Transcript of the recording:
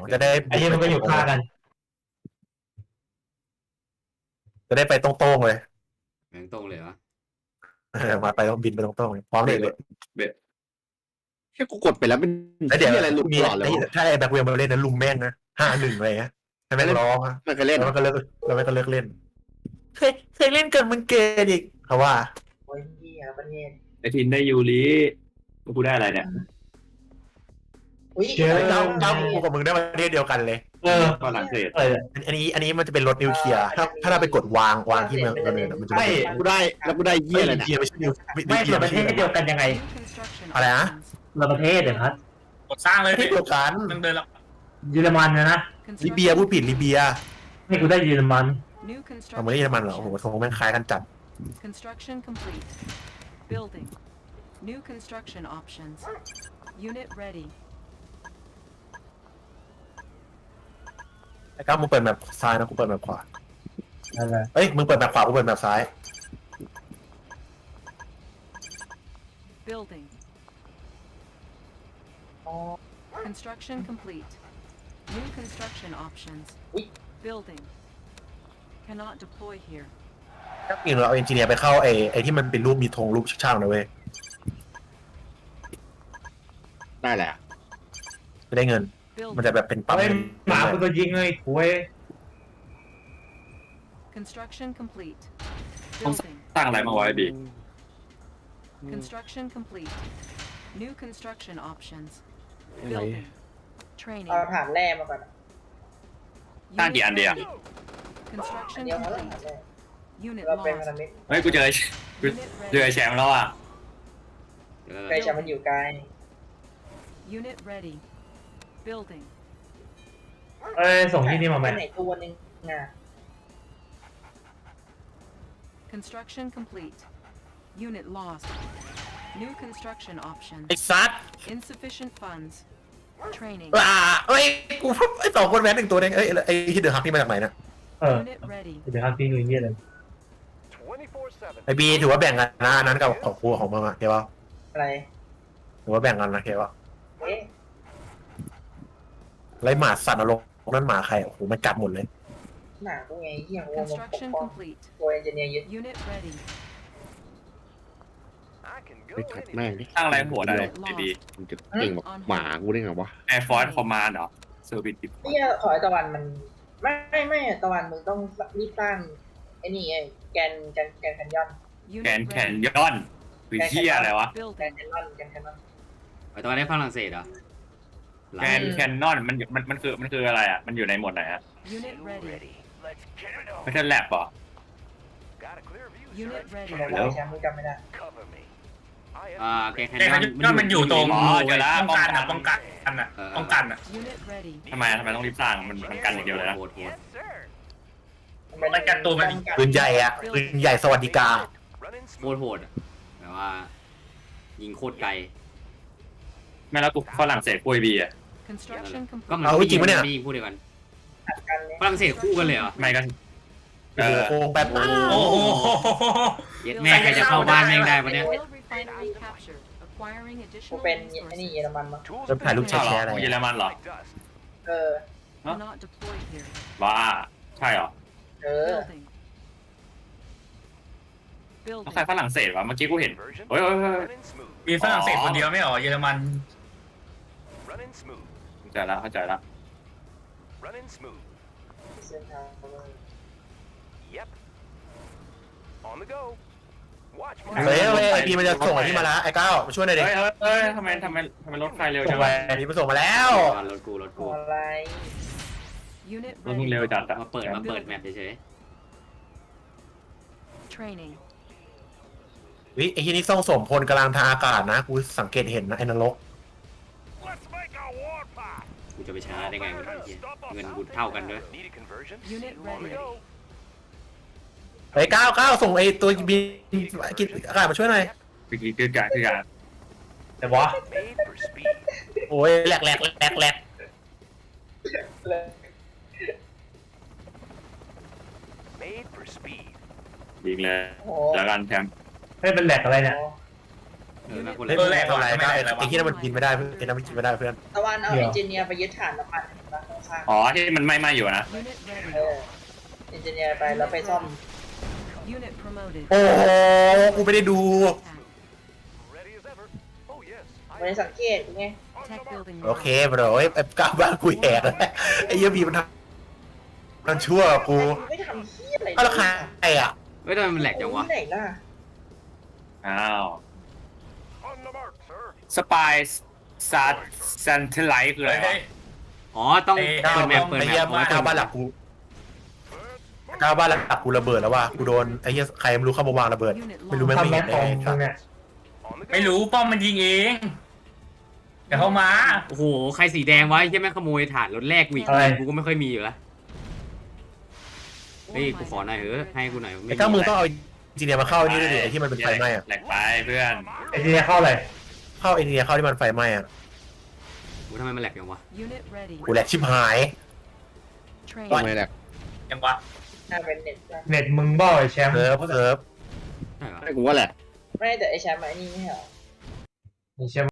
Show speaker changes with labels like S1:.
S1: จะได้
S2: ไอ้นี่มันก็อยู่ข้างกัน
S1: จะได้ไปตรงๆเลย
S3: แม่งตรงเลยวะ
S1: มาไปต้องบินไปตรงๆเลยพร้อมเลย
S4: แค่กูกดไปแล้วเป็น
S1: แล้วเดี๋ยว
S4: อะไรหลุดตลอดเลยวะ
S1: ถ้าไอ้แบ็คเวลมาเล่นนั้นลุมแม่งนะ5-1อะไรเงี้ยให้แม่งร้องอะ
S4: มันเคยเล่น
S1: แล้วมันก็เลิกเล่นเคยเล่นเกินมึงเกินอีกเขาว่า
S5: โอ้ยเหี้ยประเทศ
S6: ไอทินได้ยูริกูได้อะไรเนี่ย
S5: อุ้ย
S1: เจ้ากูกับมึงได้ประเทศเดียวกันเลย
S6: ฝรั่งเศส
S1: อันนี้มันจะเป็นรถนิวเคลียร์ถ้าเราไปกดวางที่เมืองกันเลยมันจะ
S2: ไม่
S4: กูได้แล้วกูได้เยี่ยอะไร
S1: นิว
S4: เนี่ย
S1: เคลียร์ไม่ใช่นิว
S2: ไม่เกี่ยวประเทศเดียวกันยังไง
S1: อะไรนะ
S2: เราประเทศเดี๋ยวครับ
S7: กดสร้างเลย
S1: ประเทศเดียวกัน
S7: มันเดินแล้ว
S2: เยอรมันนะ
S1: ลิเบียพูดผิดลิเบีย
S2: ให้กูได้เยอรมัน
S1: เอาไม่ได้เยอรมันเหรอโอ้โหทรงแม่งคล้ายกันจัด
S8: Construction complete. Building. New construction options. Unit ready.
S1: ไอ้ก้าวมึงเปิดแบบซ้ายนะกูเปิดแบบขวา
S2: อะไร
S1: เอ้ยมึงเปิดแบบขวากูเปิดแบบซ้าย
S8: Building. Construction complete. New construction options. Building. Cannot deploy here.
S1: ถ้าจริงเราเอาเอนจิเนียร์ไปเข้าไอ้ที่มันเป็นรูปมีธงรูปช่างนะเว้ย
S4: ได้แหละ
S1: จะได้เงิน มันจะ
S8: Building.
S1: แบบเป็นปั๊ม
S2: เฮ้ยหมากูตัวยิงเลยโว้ย
S8: Construction complete.
S6: ต้อง
S8: Building.
S6: สร้างอะไรมาไว้บี
S8: Construction complete. New construction options.
S4: อะไร
S8: Building. Training.
S5: เอาฐานแร่มาก่อน
S6: สร้างกี่อันเดียว
S8: Construction
S5: เดี๋ยวเขาต้อง
S8: complete.
S5: ฐานแร่
S8: Unit
S5: เราเป็น
S8: lost.
S5: พันธมิตร
S6: เฮ้ยกูเจอ
S8: Unit
S6: เจอ
S8: ready.
S6: แชมป์แล้วอ่ะ
S5: ใครจะมันอยู่ไกล
S8: Unit ready. Building.
S2: เอ้ยส่งที่นี่มาไหม
S5: ไหนตัวหนึ่งอ่ะ
S8: Construction complete. Unit lost. New construction options.
S1: ไอ้ซัด
S8: Insufficient funds. Training.
S1: เอ้ยกูไอ้2 คนแว้น1 ตัวเองไอ้ที่เดือดฮักนี่มาจากไหนนะ
S8: Unit ready.
S2: เดี๋ยวครับพี่ดูเยี่ยเลย
S1: ไอ้บีถือว่าแบ่งกันนะอันนั้นกับของครูของมึงอะเข้าป่ะ
S5: อะไร
S1: ถือว่าแบ่งกันนะเข้าป่ะ
S5: เอ๊ะ
S1: ไรหมาสัตว์นรกนั่นหมาใครโอ้โหมันกัดหมดเลย
S5: หนากูไงเหี้ยงงปก
S8: Construction
S5: ป้อง
S8: complete.
S5: ตัวเอนจิเนียร์ยึด
S8: Unit ready.
S4: ไปขัดแม่งดิ
S6: สร้างอะไรหัวได้บี
S4: มันจะเก่งแบบหมากูได้ไงวะ
S6: แอร์ฟอร์สคอมมานด์เหรอเซอร์วิสดิ
S5: เหี้ยขอให้ตะวันมันไม่ตะวันมึงต้องรีบสร้างไอ้นี่ไอ้แกนแคนยอน
S6: แก
S8: Unit
S6: นแคน
S8: ready.
S6: ยอนวิเทียอะไรวะ
S5: แกน
S8: Building.
S5: แคนยอนแกนแคนยอน
S3: ไอ้ตัวได้ฝรั่งเศสเหรอ
S6: แกนแคนนอนมันคืออะไรอ่ะมันอยู่ในหมวดไหนอ่ะ
S8: Unit ready.
S6: ไม่ใช่แลบเหรอ
S8: Unit
S5: ไม่
S8: ready.
S5: ได้
S6: แล้ว
S5: แชมป์มึงจำไม่ได้
S3: แกนแคน
S7: แต่
S3: ยอน
S7: ก็มันอยู่ตรง
S6: อ๋อเจอแล้ว
S7: ป้องกันอ่ะป้องกันอ่ะป้องกันอ่ะ
S8: Unit ready.
S6: ทำไมต้องรีบสร้างมันกันอย่างเดียวเลยนะ
S3: โหด
S7: มันกันตัวมัน
S1: ปืนใหญ่อะปืนใหญ่สวัสดิการ
S3: โหดอะแบบว่า ยิงโคตรไกล
S6: ไม่แล้วกูฝรั่งเศสปุยบีอ่ะ
S8: Construction
S3: ก็
S8: complete.
S3: มัน
S1: เอาจริงปะเนี่ย
S3: ไม่ยิงคู่เดียวกัน
S5: กันเลย
S3: ฝรั่งเศสคู่กันเลยเหรอ
S6: ไม่ก็
S1: โอ้โหโกงแบบ
S7: โอ้โห
S3: เย็ดแม่ใครจะเข้าบ้านแม่งได้ปะเนี่ย
S8: Oil refinery captured. Acquiring
S5: กู
S8: additional
S5: เป็นไอ้นี่
S8: resources.
S5: เยอรมันมั้ง
S1: จะถ่ายรูปแช
S6: ใช่
S1: ร์
S6: เหรอ
S1: อะไร
S6: เยอรมันเหรอ
S5: เออ
S8: Cannot deploy here.
S6: บ้าใช่เหรอ
S5: เออ
S8: Building.
S6: ต้องใคร
S8: Building.
S6: ฝรั่งเศสวะเมื่อกี้กูเห็นเฮ้ย
S7: มีฝรั่งเศสคนเดียวไม่เหรอเยอรมัน
S6: เข้าใจแล้วเข้าใจแล้ว
S5: เส้นทาง
S1: เฮ้ยไอ้พีมันจะส่งไอ้นี่มาแล้วไอ้ก้าวมาช่วยหน่อยดิ
S6: เฮ้ยทำไมรถไฟเร็ว
S1: ส่
S6: จั
S1: ง
S6: ง
S1: ไป
S6: วะ
S1: ไอ้พีมันส่งมาแล้ว
S3: รถกู
S5: อะไร
S8: Unit
S6: รถมึง
S8: ready.
S6: เร็วจัดอะ
S3: มาเปิดแมปเฉย
S8: Training.
S1: วิไอ้ที่นี่ส่งสมพลกำลังทางอากาศนะกูสังเกตเห็นนะไอ้นรก
S3: ๆกูจะไปชนะได้ไงวะไอ้เหี้ยเงินกูเท่ากันด้วย
S8: Unit ready.
S1: ไอ้ก้าวส่งไอ้ตัวบินกินอากาศมาช่วยหน่อย
S6: คือการ
S2: แต่วะ
S1: โอ้ยแหลก
S6: ยิงเลย
S5: โอ้
S6: แล้วกันแชมป์
S2: เฮ้ยเป็นแหลกอะไรเนี่ย
S3: นะคน
S1: เฮ้
S3: ละ
S1: ยไม่ทำไรก้าวไอ้ที่นั่นมันกินไม่ได้เพื่อนไอ้นั่นมันกินไม่ได้เพื่อน
S5: ตะวันเอาเอนจิเนียร์ไปยึดฐานน้ำมันไปปะข้าง
S6: อ๋อที่มันไม่อยู่นะ
S8: Unit
S5: ๆ
S8: ready.
S5: เอนจิเนียร์ไปแล้วไปซ่อม
S8: Unit promoted.
S1: โอ้โหกูไม่ได้ดู
S8: Attack.
S5: ไม่ได้สังเกตไง
S8: Tech building.
S1: โอเคบรไอ้ก้าวบ้านกูแหกแล้วไอ้เหี้ยบีมันทำมันชั่วกู
S5: ไม่ทำเหี้ยอะไร
S1: เอาและใครอ่ะ
S3: เฮ้ยทำไมมันแหลกจังวะ
S5: ที่ไหนล่ะ
S6: อ้าวสปายซันเทไลท์คืออะไร
S7: เฮ้
S6: วะ
S7: ย
S3: อ๋อต้อง
S1: ก้าว
S3: เปิดแมปเปิด
S1: ไอ้
S3: แม
S1: เหี้ย
S3: ปเอาไว้
S1: ก้าว
S3: เปิ
S1: บ้า
S3: ด
S1: นหลักกูก้าวบ้านหลักกูระเบิดแล้วว่ะกูโดนไอ้เหี้ยใครไม่รู้เข้ามาวางระเบิด
S8: Unit
S1: ไม่รู้
S8: lost.
S1: ไม่
S2: ทำ
S1: เห็
S2: แม็
S1: น
S2: ก
S1: เล
S2: ของ
S1: ย
S2: มึงเนี่ย
S7: ไม่รู้ป้อมมันยิงเองเดี๋ยวเข้ามา
S3: โอ้โหใครสีแดงวะใช่ไหมขโมยถ่านรถแรกกูอีก
S2: อะไร
S3: กูก็ไม่ค่อยมีอยู่แล้วเฮ้ยกูขอหน่อยเถอะให้กูหน่อย
S1: ไอ้ก้าวมึงต้องเอาจีเนียมาเข้านี่ด้วยดิไอ้ที่มันเป็นไฟไหม้อะ
S6: แหลกไปเพื่อน
S2: ไอ้ที่เนี่ยเข้าเลย
S1: เข้าไอ้เนี่ยเข้าที่มันไฟไหม้อะ
S3: กูทำไมมันแหลกจังวะ
S8: Unit ready.
S1: กูแหลกชิบหาย
S8: Train.
S4: ทำไมแหละ
S7: ยังวะ
S5: น่าเป็นเน็ตนะ
S2: เน็ตมึงบ่ไอ้แชมป์
S1: เซิร์ฟ
S3: ใช่เหรอ
S4: ให้กูว่าแหละ
S5: ไม่แต่ไอแชมป์ไอ้นี่ไม่ใช่เหรอ
S2: ไอ้แชมป์